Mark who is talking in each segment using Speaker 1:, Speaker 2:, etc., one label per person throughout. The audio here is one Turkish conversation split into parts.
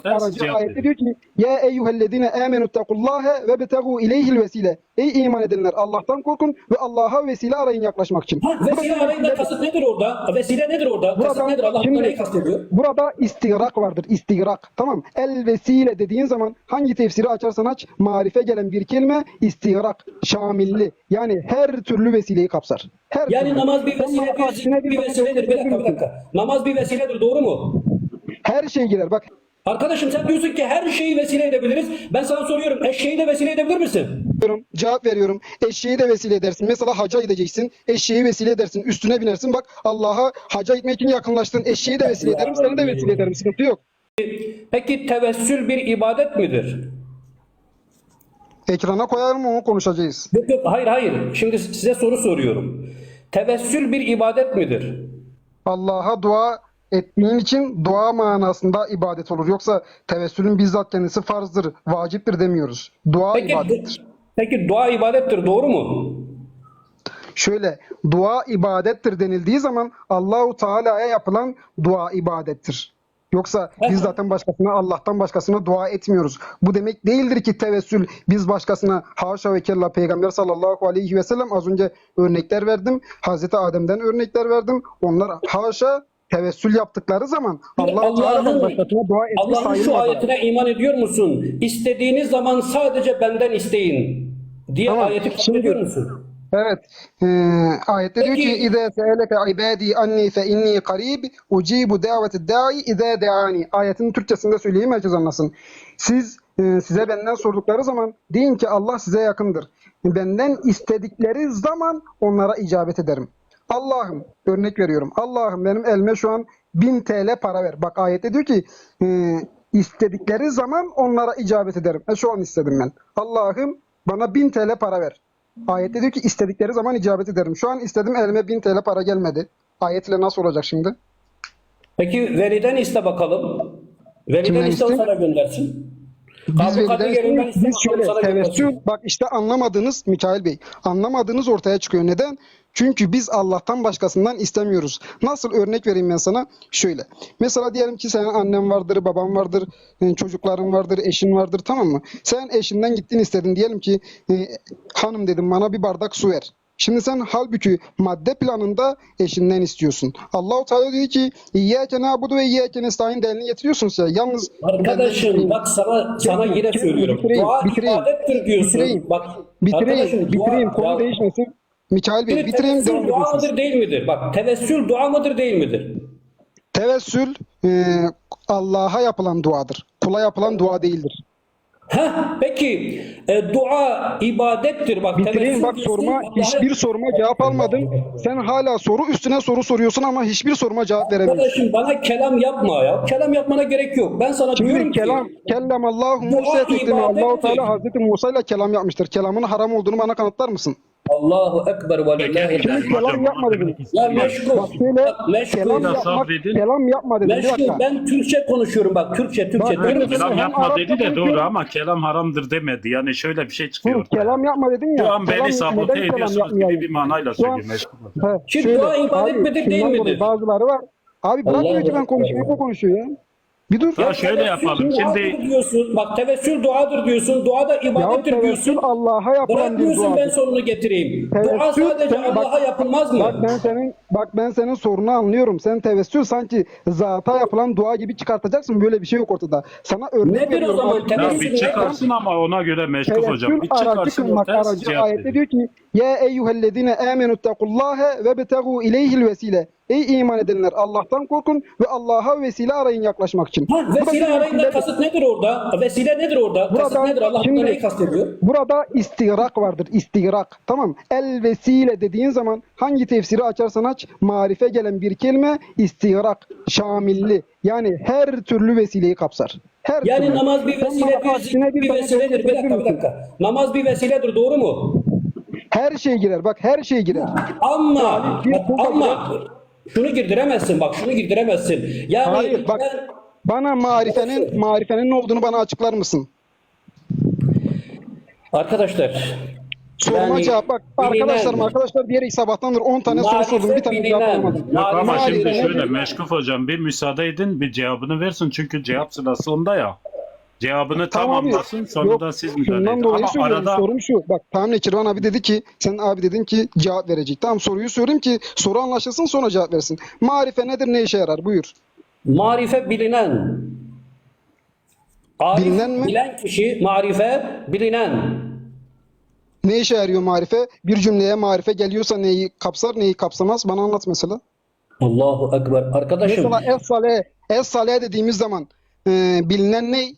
Speaker 1: Aracı ayette diyor ki ya eyyühellezine amenuttakullâhe ve betegu ileyhil vesile. Ey iman edenler, Allah'tan korkun ve Allah'a vesile arayın yaklaşmak için.
Speaker 2: Vesile arayında kasıt nedir orada? Vesile nedir orada? Kasıt nedir? Allah burada neyi kastediyor?
Speaker 1: Burada istigrak vardır. İstigrak. Tamam. El vesile dediğin zaman hangi tefsiri açarsan aç, marife gelen bir kelime istigrak, şamilli. Yani her türlü vesileyi kapsar. Her
Speaker 2: Yani
Speaker 1: türlü.
Speaker 2: namaz bir vesile, bir vesiledir. Bir dakika. Namaz bir vesiledir, doğru mu?
Speaker 1: Her şey girer. Bak.
Speaker 2: Arkadaşım sen diyorsun ki her şeyi vesile edebiliriz. Ben sana soruyorum, eşeği de vesile edebilir misin?
Speaker 1: Cevap veriyorum. Eşeği de vesile edersin. Mesela haca gideceksin. Eşeği vesile edersin. Üstüne binersin. Bak Allah'a haca gitmek için yakınlaştın. Eşeği de vesile ederim. Seni de vesile ederim. Sıkıntı yok.
Speaker 2: Peki tevessül bir ibadet midir?
Speaker 1: Ekrana koyarım, onu konuşacağız.
Speaker 2: Yok, hayır. Şimdi size soru soruyorum. Tevessül bir ibadet midir?
Speaker 1: Allah'a dua ettiğin için dua manasında ibadet olur. Yoksa tevessülün bizzat kendisi farzdır, vaciptir demiyoruz. Dua ibadettir.
Speaker 2: Peki dua ibadettir, doğru mu?
Speaker 1: Şöyle, dua ibadettir denildiği zaman Allahu Teala'ya yapılan dua ibadettir. Yoksa biz zaten başkasına, Allah'tan başkasına dua etmiyoruz. Bu demek değildir ki tevessül biz başkasına, haşa ve kella, Peygamber sallallahu aleyhi ve sellem az önce örnekler verdim. Hazreti Adem'den örnekler verdim. Onlar haşa tevessül yaptıkları zaman Allah-u Teala'dan başkasına dua etmiş
Speaker 2: Allah'ın şu
Speaker 1: sayılmaz.
Speaker 2: ayetine iman ediyor musun? İstediğiniz zaman sadece benden isteyin diye
Speaker 1: Tamam,
Speaker 2: ayeti kabul ediyor musun?
Speaker 1: Evet. Ayette diyor ki İzâ se'eleke ibâdî annî fe innî qarîb ucîbu da'vete da'i izâ de'ani. Ayetin Türkçesinde söyleyeyim, herkes anlasın. Size benden sordukları zaman deyin ki Allah size yakındır. Benden istedikleri zaman onlara icabet ederim. Allah'ım, örnek veriyorum. Allah'ım benim elime şu an 1000 TL para ver. Bak ayette diyor ki istedikleri zaman onlara icabet ederim. Şu an istedim ben. Allah'ım bana 1000 TL para ver. Ayette diyor ki istedikleri zaman icabet ederim. Şu an istedim, elime 1000 TL para gelmedi. Ayetle nasıl olacak şimdi?
Speaker 2: Peki veliden iste bakalım. Veliden
Speaker 1: Kimden
Speaker 2: iste, o
Speaker 1: iste?
Speaker 2: sana göndersin.
Speaker 1: Biz
Speaker 2: Yerinden iste,
Speaker 1: biz şöyle
Speaker 2: sana
Speaker 1: tevessül,
Speaker 2: göndersin.
Speaker 1: bak işte anlamadığınız Mikail Bey, anlamadığınız ortaya çıkıyor. Neden? Çünkü biz Allah'tan başkasından istemiyoruz. Nasıl, örnek vereyim ben sana? Şöyle. Mesela diyelim ki senin annen vardır, baban vardır, çocukların vardır, eşin vardır, tamam mı? Sen eşinden gittin istedin. Diyelim ki hanım dedim bana bir bardak su ver. Şimdi sen halbuki madde planında eşinden istiyorsun. Allah-u Teala diyor ki İyyâke na'budu ve iyyâke nestaîn delilini getiriyorsunuz ya. Yalnız
Speaker 2: Arkadaşım bak sana yine söylüyorum. Dua ibadettir diyorsun. Bak
Speaker 1: bitireyim, konu değişmesin. Mikail Bey, bitireyim, devam
Speaker 2: tevessül dua
Speaker 1: ediyorsunuz.
Speaker 2: mıdır değil midir? Bak tevessül dua mıdır değil midir?
Speaker 1: Tevessül Allah'a yapılan duadır. Kula yapılan dua değildir.
Speaker 2: Peki dua ibadettir. Bak
Speaker 1: Bitireyim, bak
Speaker 2: diyorsun,
Speaker 1: sorma, hiçbir soruma cevap almadım. Sen hala soru üstüne soru soruyorsun ama hiçbir soruma cevap veremiyorsun.
Speaker 2: Arkadaşım bana kelam yapma ya. Kelam yapmana gerek yok. Ben sana diyorum
Speaker 1: Şimdi
Speaker 2: ki
Speaker 1: kellem Allahu Musa teklimi. Allah-u Teala Hazreti Musa ile kelam yapmıştır. Kelamın haram olduğunu bana kanıtlar mısın?
Speaker 2: Allahu Ekber ve lillahi
Speaker 1: Şimdi kelam yapma dedim.
Speaker 2: Ya meşgul.
Speaker 1: Bak şöyle,
Speaker 2: Meşgul.
Speaker 1: kelam yapma dedim. Bir
Speaker 2: Meşgul.
Speaker 1: dakika.
Speaker 2: Ben Türkçe konuşuyorum bak. Türkçe.
Speaker 1: Bak,
Speaker 2: Diyorum ki
Speaker 3: Kelam
Speaker 1: Hem
Speaker 3: yapma
Speaker 1: Arapça
Speaker 3: dedi de
Speaker 1: konuşuyor.
Speaker 3: doğru ama kelam haramdır demedi. Yani şöyle bir şey çıkıyor ortaya.
Speaker 1: Kelam yapma dedin ya.
Speaker 3: Şu an
Speaker 1: kelam
Speaker 3: beni sabote
Speaker 1: neden kelam
Speaker 3: ediyorsunuz
Speaker 1: yapmayayım?
Speaker 3: gibi bir manayla
Speaker 1: Şu an-
Speaker 3: söylüyor.
Speaker 2: Şimdi dua ibadet midir, değil
Speaker 1: şundan
Speaker 2: midir?
Speaker 1: dolayı bazıları var. Abi bırakmıyor
Speaker 2: Allah
Speaker 1: ki ben
Speaker 2: Allah.
Speaker 1: konuşayım. O konuşuyor ya. Bir dur.
Speaker 3: Ya şöyle yapalım. Şimdi
Speaker 2: diyorsun. Bak tevessül duadır diyorsun. Dua da ibadettir
Speaker 1: tevessül
Speaker 2: diyorsun.
Speaker 1: Allah'a yapılan bir
Speaker 2: Bırakmıyorsun, ben
Speaker 1: duadır.
Speaker 2: sonunu getireyim. Dua
Speaker 1: Tevessül,
Speaker 2: sadece
Speaker 1: bak-
Speaker 2: Allah'a yapılmaz mı?
Speaker 1: Bak ben senin sorunu anlıyorum. Sen tevessül sanki zata yapılan dua gibi çıkartacaksın. Böyle bir şey yok ortada. Sana örnek
Speaker 2: Nedir o
Speaker 1: veriyorum.
Speaker 2: zaman?
Speaker 1: Bak,
Speaker 3: ya
Speaker 2: Tevessül
Speaker 3: bir
Speaker 2: ne?
Speaker 3: çıkarsın ama ona göre meşgul hocam.
Speaker 1: tevessül
Speaker 3: Bir
Speaker 1: aracı
Speaker 3: çıkarsın
Speaker 1: kılmak
Speaker 3: ortaya
Speaker 1: aracı.
Speaker 3: cevap
Speaker 1: Ayette
Speaker 3: verin.
Speaker 1: diyor ki ya eyyühellezine amenuttakullâhe ve betegu ileyhil vesile. Ey iman edenler, Allah'tan korkun ve Allah'a vesile arayın yaklaşmak için.
Speaker 2: Vesile arayında kasıt nedir orada? Vesile nedir orada? Kasıt
Speaker 1: Burada-
Speaker 2: nedir? Allah burada
Speaker 1: şimdi-
Speaker 2: neyi kastediyor?
Speaker 1: Burada istigrak vardır. İstigrak. Tamam. El vesile dediğin zaman hangi tefsiri açarsan aç, marife gelen bir kelime istigrak, şamilli. Yani her türlü vesileyi kapsar. Her
Speaker 2: Yani
Speaker 1: türlü.
Speaker 2: namaz bir
Speaker 1: Sen
Speaker 2: vesile,
Speaker 1: bana aksine
Speaker 2: bir
Speaker 1: tane
Speaker 2: vesiledir. Bir
Speaker 1: getirebilir misin?
Speaker 2: dakika. Namaz bir vesiledir, doğru mu?
Speaker 1: Her şey girer. Bak her şey girer.
Speaker 2: Ama şunu girdiremezsin, bak şunu girdiremezsin. Yani
Speaker 1: Hayır bak, bana marifenin ne olduğunu bana açıklar mısın?
Speaker 2: arkadaşlar
Speaker 1: Soruma
Speaker 2: Yani
Speaker 1: cevap bak.
Speaker 2: bilinen.
Speaker 1: Arkadaşlar diyerek sabahtandır 10 tane soru
Speaker 2: Marife
Speaker 1: sordum. Bir tane cevap
Speaker 2: bilinen.
Speaker 1: alamadım.
Speaker 3: Yok ama
Speaker 2: Marife
Speaker 3: şimdi
Speaker 2: bilinen.
Speaker 3: şöyle Meşkuf hocam bir müsaade edin bir cevabını versin çünkü cevap sırası onda ya. Cevabını
Speaker 1: Tamam abi.
Speaker 3: tamamlasın sonra
Speaker 1: Yok,
Speaker 3: da siz müdahale
Speaker 1: şundan
Speaker 3: edin.
Speaker 1: dolayı
Speaker 3: Ama
Speaker 1: söylüyorum.
Speaker 3: arada
Speaker 1: Sorum şu. Bak tamam Nekirvan abi dedi ki sen abi dedin ki cevap verecek. Tamam soruyu sorayım ki soru anlaşılsın sonra cevap versin. Marife nedir ne işe yarar? Buyur.
Speaker 2: Marife bilinen. Arif
Speaker 1: Bilinen mi?
Speaker 2: bilen kişi, marife bilinen.
Speaker 1: Ne işe yarıyor marife? Bir cümleye marife geliyorsa neyi kapsar neyi kapsamaz? Bana anlat mesela.
Speaker 2: Allahu Ekber. Arkadaşım,
Speaker 1: Mesela es-sale dediğimiz zaman bilinen ne?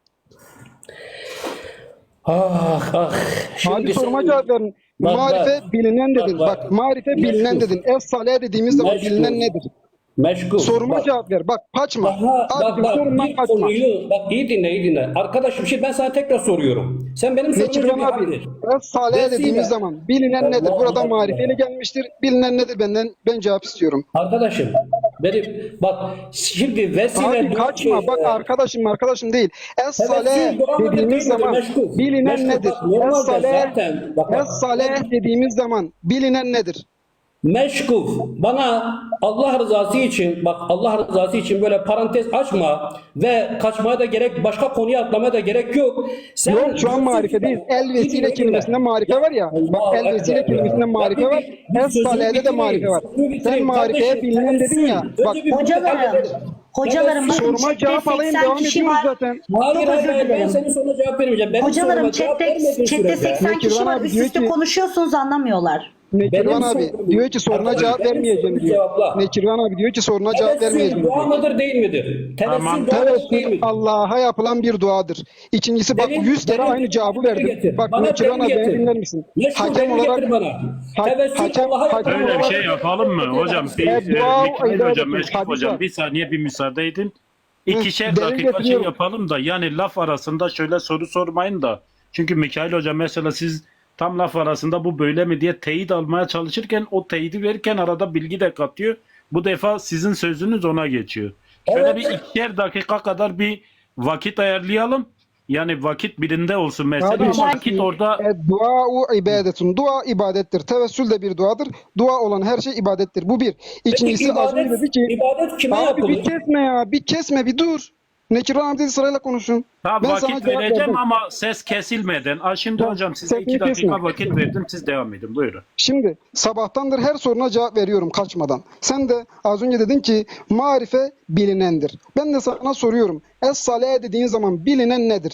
Speaker 2: ah ah.
Speaker 1: Abi soruma
Speaker 2: sen-
Speaker 1: cevap verin.
Speaker 2: Bak,
Speaker 1: Marife
Speaker 2: bak.
Speaker 1: bilinen dedin.
Speaker 2: Bak,
Speaker 1: Bak,
Speaker 2: bak.
Speaker 1: marife bilinen
Speaker 2: Meşgul.
Speaker 1: dedin. Es-sale dediğimiz zaman
Speaker 2: Meşgul.
Speaker 1: bilinen nedir?
Speaker 2: Meşgul.
Speaker 1: Soruma
Speaker 2: Bak.
Speaker 1: cevap ver. Bak kaçma.
Speaker 2: Bak
Speaker 1: Abicim
Speaker 2: bak
Speaker 1: sorumdan
Speaker 2: bir
Speaker 1: kaçma.
Speaker 2: konuyu bak iyi dinle iyi dinle. Arkadaşım şimdi ben sana tekrar soruyorum. Sen benim sorumu
Speaker 1: Nekirvan
Speaker 2: cevap
Speaker 1: abi,
Speaker 2: ver.
Speaker 1: es-sale
Speaker 2: Vesile.
Speaker 1: dediğimiz zaman bilinen nedir?
Speaker 2: Allah
Speaker 1: Burada
Speaker 2: Allah.
Speaker 1: marifeyle gelmiştir. Bilinen nedir? Ben cevap istiyorum.
Speaker 2: Arkadaşım benim bak şimdi vesile
Speaker 1: Abi
Speaker 2: diyor
Speaker 1: kaçma.
Speaker 2: ki,
Speaker 1: Bak arkadaşım değil. Es-sale
Speaker 2: tevessül dua mıdır,
Speaker 1: dediğimiz
Speaker 2: değil midir?
Speaker 1: zaman
Speaker 2: Meşgul.
Speaker 1: bilinen
Speaker 2: Meşgul.
Speaker 1: nedir?
Speaker 2: Bak, normalde
Speaker 1: Es-sale
Speaker 2: zaten bak,
Speaker 1: dediğimiz zaman bilinen nedir?
Speaker 2: meşgul. Bana Allah rızası için bak Allah rızası için böyle parantez açma ve kaçmaya da gerek başka konuya atlamaya da gerek yok. Sen
Speaker 1: Yok şu an
Speaker 2: diyorsun
Speaker 1: marife
Speaker 2: ki-
Speaker 1: değil. El vesile
Speaker 2: Dinle,
Speaker 1: kelimesinde
Speaker 2: dinle.
Speaker 1: marife var ya. Bak
Speaker 2: Allahu
Speaker 1: el vesile
Speaker 2: Ekber ya.
Speaker 1: kelimesinde marife
Speaker 2: Ya
Speaker 1: var.
Speaker 2: bir sözümü
Speaker 1: Es-sale'de de
Speaker 2: bitireyim,
Speaker 1: marife var.
Speaker 2: sözümü bitireyim.
Speaker 1: Sen marifeye
Speaker 2: Kardeşim,
Speaker 1: bilinen dedin ya.
Speaker 2: tevessül.
Speaker 1: Bak
Speaker 2: Önce bir
Speaker 4: Hocalarım,
Speaker 2: halledelim.
Speaker 4: hocalarım bakın
Speaker 1: soruma
Speaker 4: chatte
Speaker 1: cevap alayım
Speaker 4: 80
Speaker 1: devam
Speaker 4: kişi
Speaker 1: ediyoruz
Speaker 4: var.
Speaker 1: zaten.
Speaker 2: Hayır
Speaker 4: Çok
Speaker 2: hayır
Speaker 4: özür
Speaker 2: hayır ben
Speaker 4: dilerim.
Speaker 2: senin soruna cevap vermeyeceğim. Benim
Speaker 4: Hocalarım
Speaker 2: soruma cevap vermediğin
Speaker 4: chatte
Speaker 2: sürece-
Speaker 4: 80 kişi
Speaker 1: Nekirvan
Speaker 4: var.
Speaker 1: abi
Speaker 4: Üst
Speaker 1: diyor
Speaker 4: üste
Speaker 1: ki-
Speaker 4: konuşuyorsunuz anlamıyorlar.
Speaker 1: Nekirvan
Speaker 2: Benim
Speaker 1: abi
Speaker 2: sorum-
Speaker 1: diyor ki soruna
Speaker 2: Arkadaş,
Speaker 1: cevap
Speaker 2: benim
Speaker 1: vermeyeceğim
Speaker 2: sorumu
Speaker 1: diyor.
Speaker 2: cevapla.
Speaker 1: Nekirvan abi diyor ki soruna cevap vermeyeceğim
Speaker 2: Tevessül dua
Speaker 1: diyor.
Speaker 2: mıdır değil midir?
Speaker 3: Tamam.
Speaker 2: Tevessül dua mıdır değil
Speaker 1: Tevessül
Speaker 2: midir?
Speaker 1: Allah'a yapılan bir duadır. İkincisi bak
Speaker 2: Delil-
Speaker 1: 100 kere
Speaker 2: delil-
Speaker 1: aynı cevabı
Speaker 2: delil
Speaker 1: verdim.
Speaker 2: getir.
Speaker 1: Bak
Speaker 2: Bana
Speaker 1: Nekirvan
Speaker 2: delil
Speaker 1: abi beni
Speaker 2: getir.
Speaker 1: dinler misin?
Speaker 2: Meşgul
Speaker 1: Hakem
Speaker 2: delil
Speaker 1: olarak
Speaker 2: getir bana. Tevessül Allah'a
Speaker 1: hakem
Speaker 2: yapılan
Speaker 3: öyle bir
Speaker 2: duadır.
Speaker 3: şey yapalım mı hocam? Bir,
Speaker 1: dua
Speaker 3: Mikail
Speaker 1: ibadet
Speaker 3: hocam,
Speaker 1: etmek,
Speaker 3: Meşkuf
Speaker 1: hadis
Speaker 3: hocam
Speaker 1: var.
Speaker 3: bir saniye bir müsaade edin. İkişer
Speaker 1: delil
Speaker 3: dakika şey
Speaker 1: getiriyorum.
Speaker 3: yapalım da yani laf arasında şöyle soru sormayın da. Çünkü Mikail hocam mesela siz tam laf arasında bu böyle mi diye teyit almaya çalışırken o teyidi verirken arada bilgi de katıyor. Bu defa sizin sözünüz ona geçiyor. Şöyle
Speaker 2: Evet.
Speaker 3: bir ikişer dakika kadar bir vakit ayarlayalım. Yani vakit birinde olsun mesela
Speaker 1: Abi,
Speaker 3: ama vakit orada
Speaker 1: Dua ibadetun. Dua ibadettir. Tevessül de bir duadır. Dua olan her şey ibadettir. Bu bir. İkincisi az önce dedi ki
Speaker 2: ibadet kime
Speaker 1: abi
Speaker 2: yapılır?
Speaker 1: bir kesme ya. Bir kesme bir dur. Nekirvan abi dedi sırayla konuşun.
Speaker 3: ha,
Speaker 1: Ben sana
Speaker 3: vakit
Speaker 1: cevap
Speaker 3: vereceğim
Speaker 1: verdim.
Speaker 3: ama ses kesilmeden. Şimdi
Speaker 1: Tamam,
Speaker 3: hocam size
Speaker 1: sesini
Speaker 3: 2 dakika
Speaker 1: kesme.
Speaker 3: vakit verdim. Siz devam edin. Buyurun.
Speaker 1: Şimdi sabahtandır her soruna cevap veriyorum kaçmadan. Sen de az önce dedin ki marife bilinendir. Ben de sana soruyorum. Es-sale dediğin zaman bilinen nedir?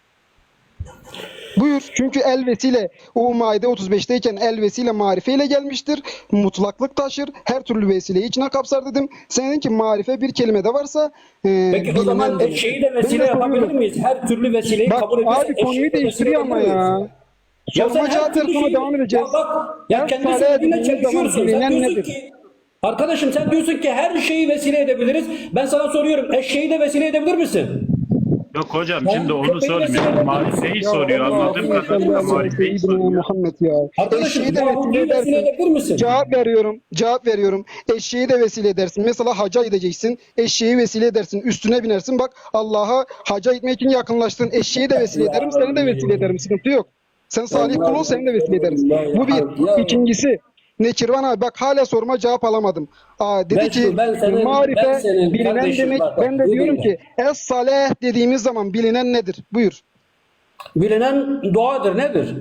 Speaker 1: Buyur. Çünkü el vesile o Maide 35'teyken el vesile marifeyle gelmiştir. Mutlaklık taşır. Her türlü vesileyi içine kapsar dedim. Sen dedin ki marife bir kelimede varsa
Speaker 2: Peki o zaman
Speaker 1: bilinendir.
Speaker 2: şeyi de
Speaker 1: Ben
Speaker 2: vesile
Speaker 1: de
Speaker 2: yapabilir
Speaker 1: soruyorum.
Speaker 2: miyiz? Her türlü vesileyi
Speaker 1: Bak
Speaker 2: kabul ediyorsak
Speaker 1: abi
Speaker 2: eşeği
Speaker 1: konuyu
Speaker 2: de
Speaker 1: değiştiriyor
Speaker 2: vesile
Speaker 1: ama
Speaker 2: yapabilir
Speaker 1: ya.
Speaker 2: miyiz? Ya
Speaker 1: Soruma
Speaker 2: sen
Speaker 1: cevap
Speaker 2: her
Speaker 1: ver
Speaker 2: türlü
Speaker 1: sonra
Speaker 2: şeyi-
Speaker 1: devam edeceğiz.
Speaker 2: Ya bak ya kendi
Speaker 1: Es-sale
Speaker 2: söylediğinle
Speaker 1: dediğimiz zaman
Speaker 2: çelişiyorsun. Sen
Speaker 1: bilinen
Speaker 2: diyorsun
Speaker 1: nedir?
Speaker 2: ki arkadaşım sen diyorsun ki her şeyi vesile edebiliriz. Ben sana soruyorum eşeği de vesile edebilir misin?
Speaker 3: Yok hocam
Speaker 2: Ben
Speaker 3: şimdi onu
Speaker 2: köpeği
Speaker 3: sormuyor.
Speaker 2: vesile
Speaker 3: Marifeyi
Speaker 1: Ya
Speaker 3: soruyor.
Speaker 1: Allah,
Speaker 3: Anladığım
Speaker 1: Allah,
Speaker 3: kadarıyla
Speaker 1: Allah,
Speaker 3: marifeyi
Speaker 1: Seyyidina
Speaker 3: soruyor.
Speaker 1: Muhammed ya.
Speaker 2: Arkadaşım
Speaker 1: Eşeği de
Speaker 2: Yahudi'yi
Speaker 1: vesile
Speaker 2: vesile
Speaker 1: edersin.
Speaker 2: edebilir misin?
Speaker 1: Cevap veriyorum. Eşeği de vesile edersin. Mesela haca gideceksin. Eşeği vesile edersin. Üstüne binersin. Bak Allah'a haca gitmek için yakınlaştın. Eşeği de vesile ederim. Seni de vesile ederim. Sıkıntı yok. Sen salih kul ol, seni de vesile ederiz. Bu bir. İkincisi. Nekirvan abi bak hala soruma cevap alamadım. Dedi
Speaker 2: Ben
Speaker 1: ki
Speaker 2: şu- ben senin-
Speaker 1: marife
Speaker 2: ben senin
Speaker 1: bilinen
Speaker 2: kardeşim,
Speaker 1: demek.
Speaker 2: bak,
Speaker 1: Ben de
Speaker 2: iyi
Speaker 1: diyorum
Speaker 2: dinle.
Speaker 1: ki es-saleh dediğimiz zaman bilinen nedir? Buyur.
Speaker 2: Bilinen duadır nedir?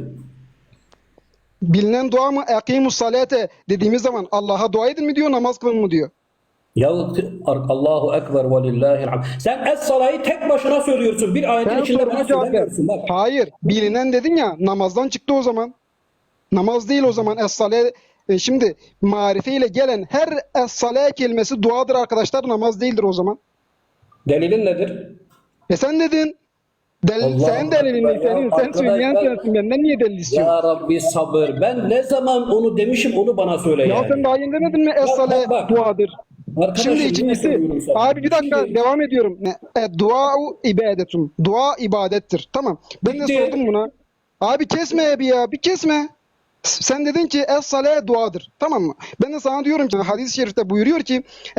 Speaker 1: Bilinen dua mı? Ekimus salate dediğimiz zaman Allah'a dua edin mi diyor, namaz kılın mı diyor.
Speaker 2: Ya Allahu Ekber ve lillahil hamd. Sen es-salayı tek başına söylüyorsun. Bir ayetin
Speaker 1: Ben
Speaker 2: içinde
Speaker 1: soruma
Speaker 2: bana
Speaker 1: cevap ver.
Speaker 2: söylemiyorsun. Bak.
Speaker 1: Hayır. Bilinen dedin ya, namazdan çıktı o zaman. Namaz değil o zaman es-sale. Şimdi marifeyle gelen her es-sale kelimesi duadır arkadaşlar, namaz değildir o zaman.
Speaker 2: Delilin nedir?
Speaker 1: Sen dedin.
Speaker 2: Allah
Speaker 1: Sen delilin
Speaker 2: Allah
Speaker 1: ne senin?
Speaker 2: ya,
Speaker 1: Sen söyleyen
Speaker 2: arkadaşlar-
Speaker 1: sensin. Benden niye delil istiyorsun?
Speaker 2: Ya Rabbi sabır. Ben ne zaman onu demişim onu bana söyle
Speaker 1: Ya
Speaker 2: yani.
Speaker 1: sen daha yeni demedin mi es-sale
Speaker 2: bak.
Speaker 1: duadır?
Speaker 2: Arkadaşım,
Speaker 1: Şimdi
Speaker 2: yine
Speaker 1: ikincisi,
Speaker 2: söylüyorum sana.
Speaker 1: abi bir dakika
Speaker 2: Şimdi-
Speaker 1: devam ediyorum. Dua'u ibadetun. Dua ibadettir. Tamam. Ben de
Speaker 2: Bitti.
Speaker 1: sordum buna. Abi kesme bir ya, bir kesme. Sen dedin ki es-sale duadır. Tamam mı? Ben de sana diyorum ki hadis-i şerifte buyuruyor ki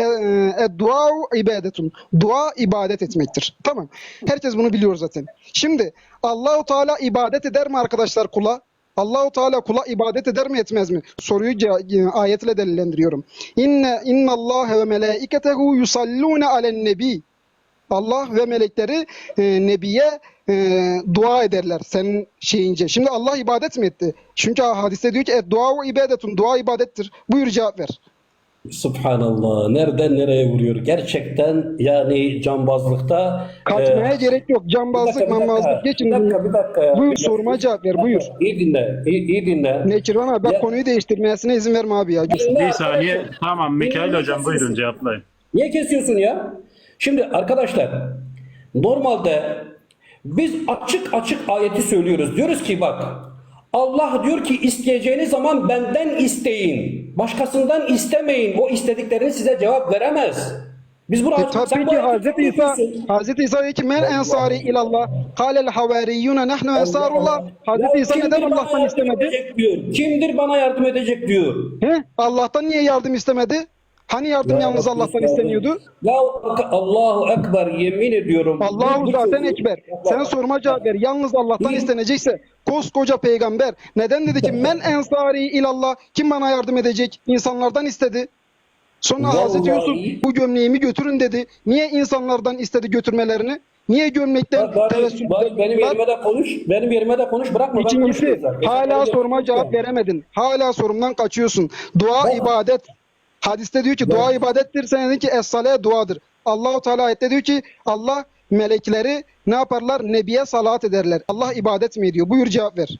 Speaker 1: dua'u ibadetun. Dua ibadet etmektir. Tamam. Herkes bunu biliyor zaten. Şimdi Allahu Teala ibadet eder mi arkadaşlar kula? Allahu Teala kula ibadet eder mi etmez mi? Soruyu ayetle delillendiriyorum. İnna Allah ve melaiketehu yusallune alen nebi. Allah ve melekleri Nebiye dua ederler senin şeyince. Şimdi Allah ibadet mi etti? Çünkü hadiste diyor ki dua ibadetun, dua ibadettir. Buyur cevap ver.
Speaker 2: Subhanallah. Nereden nereye vuruyor? Gerçekten yani cambazlıkta
Speaker 1: Kaçmaya gerek yok. Cambazlık, mambazlık geçin.
Speaker 2: Bir dakika ya.
Speaker 1: Buyur soruma cevap ver. Buyur.
Speaker 2: İyi dinle. İyi dinle.
Speaker 1: Nekirvan abi bak
Speaker 2: Ya-
Speaker 1: konuyu değiştirmesine izin verme abi ya.
Speaker 3: Bir saniye. Tamam Mikail hocam buyurun cevaplayın.
Speaker 2: Niye kesiyorsun ya? Şimdi arkadaşlar normalde biz açık açık ayeti söylüyoruz. Diyoruz ki bak Allah diyor ki isteyeceğiniz zaman benden isteyin. Başkasından istemeyin. O istediklerini size cevap veremez. Biz bunu
Speaker 1: Tabii
Speaker 2: sen bu
Speaker 1: ki
Speaker 2: ayeti
Speaker 1: Hazreti İsa diyor ki men ensari ilallah kâlel havariyyûne nehnu ensarullah. Hazreti İsa neden
Speaker 2: Kimdir bana
Speaker 1: Allah'tan
Speaker 2: yardım
Speaker 1: istemedi?
Speaker 2: edecek diyor. Kimdir bana yardım edecek diyor.
Speaker 1: He? Allah'tan niye yardım istemedi? Hani yardım yalnız Allah'tan isteniyordu?
Speaker 2: Ya Allahu Ekber yemin ediyorum.
Speaker 1: Allahu
Speaker 2: Bu
Speaker 1: zaten
Speaker 2: çocuğu-
Speaker 1: ekber. Sen soruma cevap ver. Yalnız Allah'tan istenecekse koskoca peygamber neden dedi ki men ensari ilallah, kim bana yardım edecek? İnsanlardan istedi. Sonra Hazreti
Speaker 2: Vallahi-
Speaker 1: Yusuf bu gömleğimi götürün dedi. Niye insanlardan istedi götürmelerini? Niye gömlekten tevessül
Speaker 2: Benim yerime de konuş. Benim yerime de konuş. Bırakma. ben
Speaker 1: İkincisi
Speaker 2: konuşuyorum zaten.
Speaker 1: hala
Speaker 2: Sen-
Speaker 1: soruma cevap veremedin. Hala sorumdan kaçıyorsun. Dua ibadet. Hadiste diyor ki dua ibadettir. Sen dedin ki es-sale duadır. Allahu Teala ayette diyor ki Allah melekleri ne yaparlar? Nebiye salat ederler. Allah ibadet mi ediyor? Buyur cevap ver.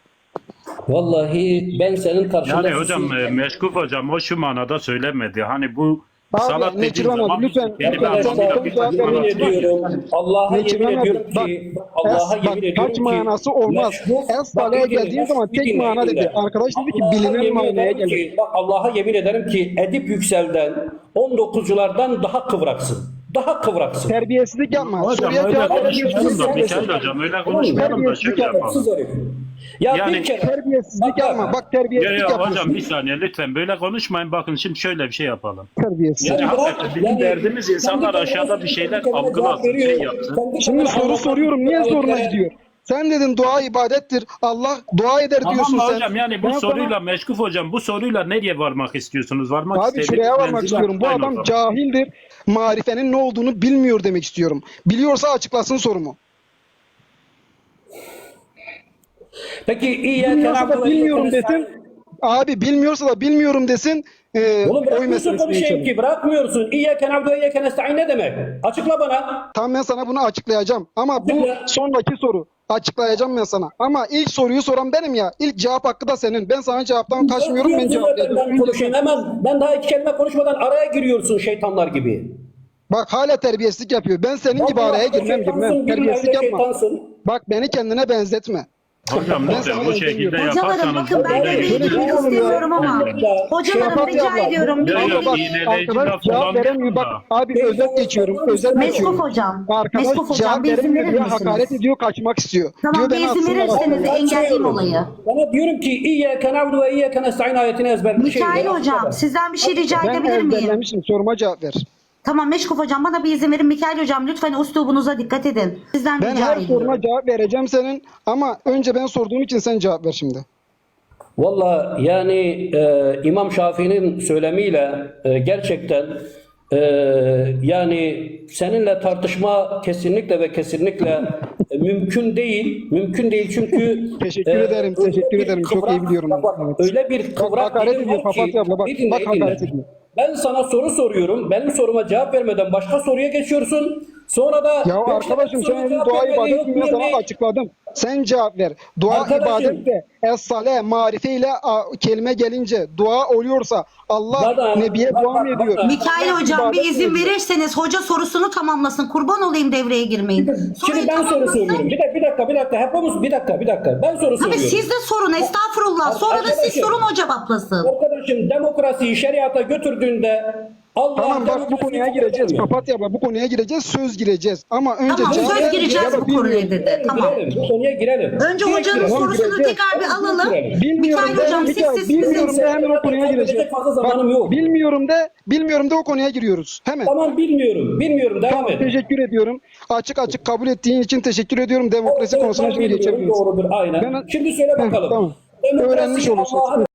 Speaker 2: Vallahi ben senin karşında
Speaker 3: Yani hocam Meşkuf hocam o şu manada söylemedi. Hani bu
Speaker 1: Abi,
Speaker 3: salat
Speaker 1: ne
Speaker 3: dediğin
Speaker 1: Kirvan
Speaker 3: zaman
Speaker 1: abi, lütfen,
Speaker 3: kelime
Speaker 1: arkadaşlar,
Speaker 3: anlamıyla
Speaker 1: lütfen
Speaker 3: bir
Speaker 1: cevap
Speaker 3: manası
Speaker 1: verin.
Speaker 3: var.
Speaker 2: yemin ediyorum. Allah'a
Speaker 1: Ne
Speaker 2: yemin
Speaker 1: Kirvan abi,
Speaker 2: ediyorum
Speaker 1: bak,
Speaker 2: ki Allah'a yemin ediyorum
Speaker 1: kaç
Speaker 2: ki
Speaker 1: manası olmaz.
Speaker 2: meşhur-
Speaker 1: Es-saleye
Speaker 2: bak,
Speaker 1: geldiğin zaman
Speaker 2: bir
Speaker 1: tek
Speaker 2: dinle,
Speaker 1: mana
Speaker 2: bir
Speaker 1: dedi.
Speaker 2: dinle.
Speaker 1: Arkadaş dedi ki
Speaker 2: Allah'a
Speaker 1: bilinen
Speaker 2: yemin
Speaker 1: manaya
Speaker 2: ederim
Speaker 1: gelir.
Speaker 2: ki, bak Allah'a yemin ederim ki Edip Yüksel'den 19'culardan daha kıvraksın. Daha kıvraksın.
Speaker 1: Terbiyesizlik yapma.
Speaker 3: Hocam
Speaker 1: Soruya
Speaker 3: öyle
Speaker 1: cevap
Speaker 3: konuşmayalım da
Speaker 1: verebilirsin.
Speaker 3: Mikail hocam öyle konuşmayalım da şöyle yapalım.
Speaker 2: Terbiyesiz herif. Ya
Speaker 3: Yani
Speaker 2: bir kere
Speaker 1: Terbiyesizlik
Speaker 2: Bak,
Speaker 1: yapma. Bak
Speaker 3: Ya,
Speaker 1: terbiyesizlik
Speaker 3: ya
Speaker 1: yapıyorsun.
Speaker 3: hocam bir saniye lütfen böyle konuşmayın. Bakın şimdi şöyle bir şey yapalım.
Speaker 1: Terbiyesiz.
Speaker 3: Yani
Speaker 2: bırak,
Speaker 3: hakikaten bizim derdimiz insanlar
Speaker 2: kendi
Speaker 3: aşağıda
Speaker 2: kendine-
Speaker 3: bir şeyler
Speaker 2: kendi kendine
Speaker 3: algılasın,
Speaker 2: cevap veriyor.
Speaker 3: şey yapsın.
Speaker 2: Kendi
Speaker 1: Şimdi
Speaker 2: kendine
Speaker 1: soru
Speaker 2: anlatmak
Speaker 1: soruyorum. Niye
Speaker 2: için
Speaker 1: zoruna
Speaker 2: ayetlere-
Speaker 1: gidiyor? Sen dedin dua ibadettir. Allah dua eder
Speaker 3: Tamam
Speaker 1: diyorsun
Speaker 3: mı
Speaker 1: sen.
Speaker 3: hocam yani bu
Speaker 1: Ben sana-
Speaker 3: soruyla Meşkuf hocam bu soruyla nereye varmak istiyorsunuz? Varmak
Speaker 1: Abi
Speaker 3: istediğiniz
Speaker 1: şuraya varmak
Speaker 3: menzile
Speaker 1: istiyorum. Bu
Speaker 3: atlayın o
Speaker 1: adam
Speaker 3: zaman.
Speaker 1: cahildir. Marifenin ne olduğunu bilmiyor demek istiyorum. Biliyorsa açıklasın sorumu.
Speaker 2: Peki iyi
Speaker 1: Bilmiyorsa da bilmiyorum desin. Abi bilmiyorsa da bilmiyorum desin.
Speaker 2: Oğlum
Speaker 1: Oy
Speaker 2: bırakmıyorsun
Speaker 1: meselesine
Speaker 2: konuşayım
Speaker 1: geçelim.
Speaker 2: ki bırakmıyorsun. İyyâke na'budu ve iyyâke nestaîn ne demek? Açıkla bana.
Speaker 1: Tamam ben sana bunu açıklayacağım. Ama bu
Speaker 2: Açıkla.
Speaker 1: sonraki soru. Açıklayacağım ben sana. Ama ilk soruyu soran benim ya. İlk cevap hakkı da senin. Ben sana cevaptan kaçmıyorum. Ben cevaplayacağım.
Speaker 2: Ben konuşayım hemen. Ben daha iki kelime konuşmadan araya giriyorsun şeytanlar gibi.
Speaker 1: Bak hala terbiyesizlik yapıyor. Ben senin gibi araya girmem. Terbiyesizlik yapma.
Speaker 2: Şeytansın.
Speaker 1: Bak beni kendine benzetme.
Speaker 3: Hocam
Speaker 1: Ben
Speaker 3: lütfen
Speaker 1: sana
Speaker 3: bu şekilde
Speaker 1: söylüyorum.
Speaker 4: Hocalarım
Speaker 3: yaparsanız
Speaker 4: bakın ben
Speaker 3: böyle
Speaker 4: devreye
Speaker 3: bir-
Speaker 4: girmek
Speaker 1: Böyle bir-
Speaker 4: istemiyorum ama hocalarım
Speaker 1: Şafak
Speaker 4: rica
Speaker 1: abla,
Speaker 4: ediyorum.
Speaker 3: Ya, ya,
Speaker 1: Abla bak,
Speaker 3: iğneleyici
Speaker 1: arkadaş
Speaker 3: laf
Speaker 1: cevap
Speaker 3: kullanmayın
Speaker 1: veremiyor. Bak
Speaker 3: da.
Speaker 1: abi özet geçiyorum. Özet
Speaker 4: Meskuf
Speaker 1: geçiyorum.
Speaker 4: hocam.
Speaker 1: Arkadaş
Speaker 4: Meskuf hocam
Speaker 1: cevap
Speaker 4: bir izin
Speaker 1: veremiyor
Speaker 4: verir
Speaker 1: diyor.
Speaker 4: misiniz?
Speaker 1: Hakaret ediyor. Kaçmak istiyor.
Speaker 4: Tamam
Speaker 1: diyor,
Speaker 4: bir
Speaker 1: beni
Speaker 4: izin
Speaker 1: atsınlar
Speaker 4: verirseniz
Speaker 1: aslında.
Speaker 4: engelleyeyim olayı.
Speaker 2: Bana diyorum ki İyyâke na'budu ve iyyâke nestaîn ayetini ezberledim.
Speaker 4: Mikail hocam sizden bir şey rica
Speaker 1: Ben
Speaker 4: edebilir miyim?
Speaker 1: ezberlemişim. Soruma cevap ver.
Speaker 4: Tamam Meşkuf hocam bana bir izin verin. Mikail hocam lütfen üslubunuza dikkat edin. Sizden
Speaker 1: Ben
Speaker 4: rica
Speaker 1: her
Speaker 4: ediyorum.
Speaker 1: soruna cevap vereceğim senin. Ama önce ben sorduğum için sen cevap ver şimdi.
Speaker 2: Valla yani İmam Şafii'nin söylemiyle gerçekten yani seninle tartışma kesinlikle ve kesinlikle mümkün değil. Mümkün değil çünkü
Speaker 1: Teşekkür ederim,
Speaker 2: öyle
Speaker 1: teşekkür
Speaker 2: bir
Speaker 1: ederim. Çok iyi biliyorum ben.
Speaker 2: Bak,
Speaker 1: Evet.
Speaker 2: öyle bir kıvrak
Speaker 1: hakaret
Speaker 2: dilim
Speaker 1: ediyor,
Speaker 2: var ki-
Speaker 1: papatya abla, bak,
Speaker 2: Bir dinle,
Speaker 1: bak
Speaker 2: bir dinle.
Speaker 1: hakaret ediyor.
Speaker 2: Ben sana soru soruyorum. Benim soruma cevap vermeden başka soruya geçiyorsun. Sonra da
Speaker 1: Ya arkadaşım sen dedin dua ibadet mi? Ben sana açıkladım. Sen cevap ver. Dua
Speaker 2: Arkadaşım.
Speaker 1: ibadet de es-sale marife ile kelime gelince dua oluyorsa Allah
Speaker 2: Bana-
Speaker 1: Nebiye
Speaker 2: bak,
Speaker 1: dua mı
Speaker 2: bak,
Speaker 1: ediyor?
Speaker 2: bak.
Speaker 4: Mikail hocam
Speaker 1: İbadet
Speaker 4: bir izin
Speaker 1: mi ediyor?
Speaker 4: verirseniz hoca sorusunu tamamlasın. Kurban olayım devreye girmeyin.
Speaker 2: Şimdi
Speaker 4: Soruyu
Speaker 2: ben soru
Speaker 4: tamamlasın.
Speaker 2: soruyorum. Bir dakika. Hepimiz bir dakika. Ben soru
Speaker 4: Tabii
Speaker 2: soruyorum.
Speaker 4: siz de sorun estağfurullah. Sonra da siz
Speaker 2: Arkadaşım.
Speaker 4: sorun o cevaplasın.
Speaker 2: Arkadaşım demokrasiyi şeriata götürdüğünde Allah
Speaker 1: Tamam bak bu
Speaker 2: demokrasiyi
Speaker 1: konuya gireceğiz.
Speaker 2: kaldırmıyor.
Speaker 1: Papatya abla bu konuya gireceğiz. Söz gireceğiz. Ama önce
Speaker 4: Tamam
Speaker 1: cevap
Speaker 4: söz
Speaker 1: ver.
Speaker 4: gireceğiz
Speaker 1: Ya da
Speaker 4: bu konuya
Speaker 1: bilmiyorum.
Speaker 4: dedi. Tamam.
Speaker 2: Girelim, bu konuya girelim.
Speaker 4: Önce
Speaker 2: Direkt
Speaker 4: hocanın
Speaker 2: girelim.
Speaker 4: sorusunu
Speaker 1: gireceğiz.
Speaker 4: tekrar bir alalım.
Speaker 1: Bilmiyorum
Speaker 4: Mikail
Speaker 1: de,
Speaker 4: hocam
Speaker 1: Mikail,
Speaker 4: siz
Speaker 1: bilmiyorum de hemen o konuya gireceğiz.
Speaker 2: Fazla zamanım
Speaker 1: Bak,
Speaker 2: yok.
Speaker 1: bilmiyorum de o konuya giriyoruz. Hemen.
Speaker 2: Tamam bilmiyorum. Devam et.
Speaker 1: Teşekkür ediyorum. Açık kabul ettiğin için teşekkür ediyorum. Demokrasi
Speaker 2: Evet,
Speaker 1: konusuna
Speaker 2: ben
Speaker 1: şimdi
Speaker 2: bilmiyorum,
Speaker 1: geçebiliriz.
Speaker 2: Doğrudur aynen.
Speaker 1: Ben-
Speaker 2: Şimdi söyle bakalım.
Speaker 1: Tamam.
Speaker 2: Demokrasi
Speaker 1: öğrenmiş olursunuz.
Speaker 2: Allah'ın